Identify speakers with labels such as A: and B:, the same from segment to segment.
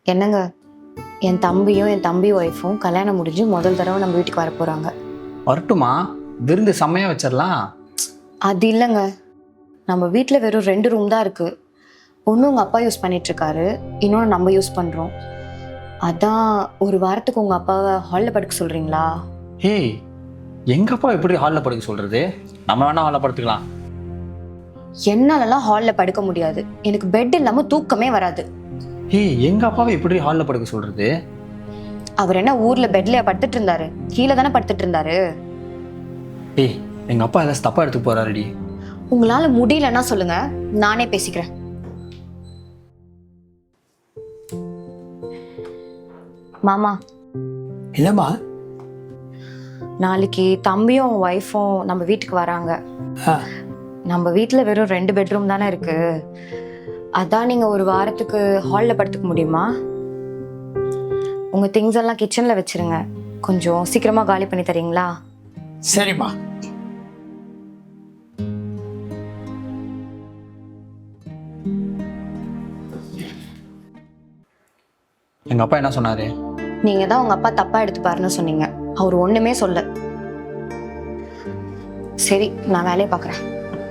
A: என்னங்க, என் தம்பியும் என் தம்பி ஒய்ஃபும் கல்யாணம் முடிஞ்சு முதல் தடவை நம்ம வீட்டுக்கு வர போகிறாங்க.
B: வரட்டுமா? விருந்து செம்மையாக வச்சிடலாம்.
A: அது இல்லைங்க, நம்ம வீட்டில் வெறும் 2 ரூம் தான் இருக்குது. ஒன்று உங்கள் அப்பா யூஸ் பண்ணிகிட்ருக்காரு, இன்னொன்று நம்ம யூஸ் பண்ணுறோம். அதான் ஒரு வாரத்துக்கு உங்கள் அப்பாவை ஹாலில் படுக்க சொல்கிறீங்களா?
B: ஏய், எங்கள் அப்பா எப்படி ஹாலில் படுக்க சொல்கிறது? நம்ம வேணா ஹாலில் படுத்துக்கலாம்.
A: என்னாலலாம் ஹாலில் படுக்க முடியாது. எனக்கு பெட் இல்லாமல் தூக்கமே வராது.
B: ஏய், எங்கள் அப்பாவை எப்படி ஹாலில் படுக்க சொல்கிறது?
A: அவர் என்ன ஊரில் பெட்லையா படுத்துட்டு இருந்தாரு? கீழே தானே படுத்துட்டு இருந்தாரு.
B: ஏய், எங்கள் அப்பா ஏதாச்சும் தப்பாக எடுத்து போகிறாருடி.
A: உங்களால் முடியலன்னா சொல்லுங்க, நானே பேசிக்கிறேன். மாமா,
C: என்னம்மா?
A: நாளைக்கு தம்பியும் அவங்க ஒய்ஃபும் நம்ம வீட்டுக்கு வராங்க. நம்ம வீட்டில் வெறும் 2 பெட்ரூம் தானே இருக்கு. அதான் நீங்கள் ஒரு வாரத்துக்கு ஹாலில் படுத்துக்க முடியுமா? உங்கள் திங்ஸ் எல்லாம் கிச்சனில் வச்சிருங்க. கொஞ்சம் சீக்கிரமாக காலி பண்ணி தரீங்களா?
C: சரிம்மா.
B: எங்கள் அப்பா என்ன சொன்னார்?
A: நீங்கள் தான் உங்கள் அப்பா தப்பாக எடுத்துப்பாருன்னு சொன்னீங்க. அவர் ஒன்றுமே சொல்ல. சரி, நான் வேலையை பார்க்குறேன்.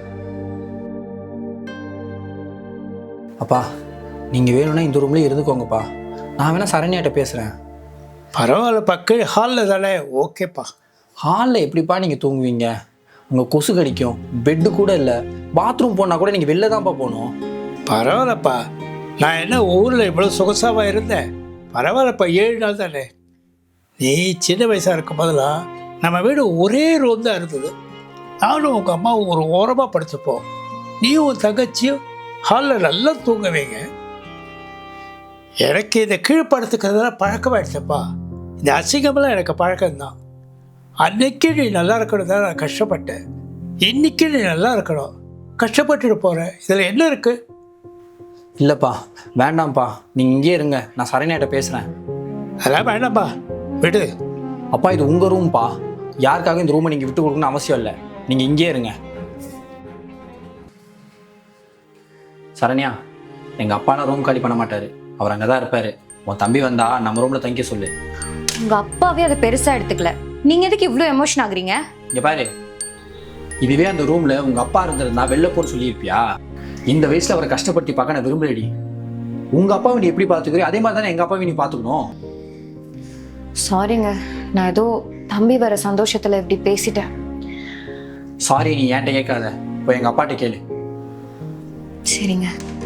B: அப்பா, நீங்கள் வேணும்னா இந்த ரூம்லேயே இருந்துக்கோங்கப்பா. நான் வேணா சரண்யாட்ட பேசுகிறேன்.
C: பரவாயில்ல பக்கு, ஹாலில் தானே, ஓகேப்பா.
B: ஹாலில் எப்படிப்பா நீங்கள் தூங்குவீங்க? உங்கள் கொசு கடிக்கும். பெட்டு கூட இல்லை. பாத்ரூம் போனால் கூட நீங்கள் வெளில தான்ப்பா போகணும்.
C: பரவாயில்லப்பா, நான் என்ன ஊரில் இவ்வளோ சொகசாவாக இருந்தேன். பரவாயில்லப்பா, 7 நாள் தானே. நீ சின்ன வயசாக இருக்கும் போதெல்லாம் நம்ம வீடு ஒரே ரூம் தான் இருந்தது. நானும் உங்கள் அம்மாவும் ஒரு ஓரமாக படுத்துப்போம். நீயும் உன் தங்கச்சியும் ஹாலில் நல்லா தூங்குவீங்க. எனக்கு இந்த கீழ்ப்படுத்துக்கிறதுலாம் பழக்கமாயிடுச்சப்பா. இந்த அசிங்கமெல்லாம் எனக்கு பழக்கம்தான். அன்னைக்கு நீ நல்லா இருக்கணும் தான் நான் கஷ்டப்பட்டேன். இன்னைக்கு நீ நல்லா இருக்கணும், கஷ்டப்பட்டுட்டு போகிறேன். இதில் என்ன இருக்குது?
B: இல்லைப்பா, வேண்டாம்ப்பா, நீங்கள் இங்கேயே இருங்க. நான் சரண்யாட்ட பேசுகிறேன்.
C: அதெல்லாம் வேண்டாம்ப்பா, விடு.
B: அப்பா, இது உங்கள் ரூம்ப்பா. யாருக்காகவும் இந்த ரூமை நீங்கள் விட்டு கொடுக்கணும்னு அவசியம் இல்லை. நீங்கள் இங்கேயே இருங்க. சரண்யா, எங்கள் அப்பாலாம் ரூம் காலி பண்ண மாட்டார். அவர் அங்கே தான் இருப்பார். உன் தம்பி வந்தா நம்ம ரூமில் தங்கிக்க சொல்லு.
A: உங்கள் அப்பாவே அதை பெருசாக எடுத்துக்கல. நீங்கள் எதுக்கு இவ்வளோ எமோஷன் ஆகுறீங்க?
B: இங்கே பாரு, இதுவே அந்த ரூமில் உங்கள் அப்பா இருந்திருந்தா வெளில போன்னு சொல்லியிருப்பியா? இந்த வயசில் அவரை கஷ்டப்படுத்தி பார்க்க நான் விரும்பலடி. உங்கள் அப்பாவை நீ எப்படி பார்த்துக்கிறீ அதே மாதிரி தானே எங்கள் அப்பாவை நீ பார்த்துக்கணும்.
A: சாரிங்க, நான் ஏதோ தம்பி வர சந்தோஷத்தில் இப்படி பேசிட்டேன்.
B: சாரி, நீ என்கிட்ட கேட்காத. இப்போ எங்கள் அப்பாட்ட கேளு.
A: சரிங்க.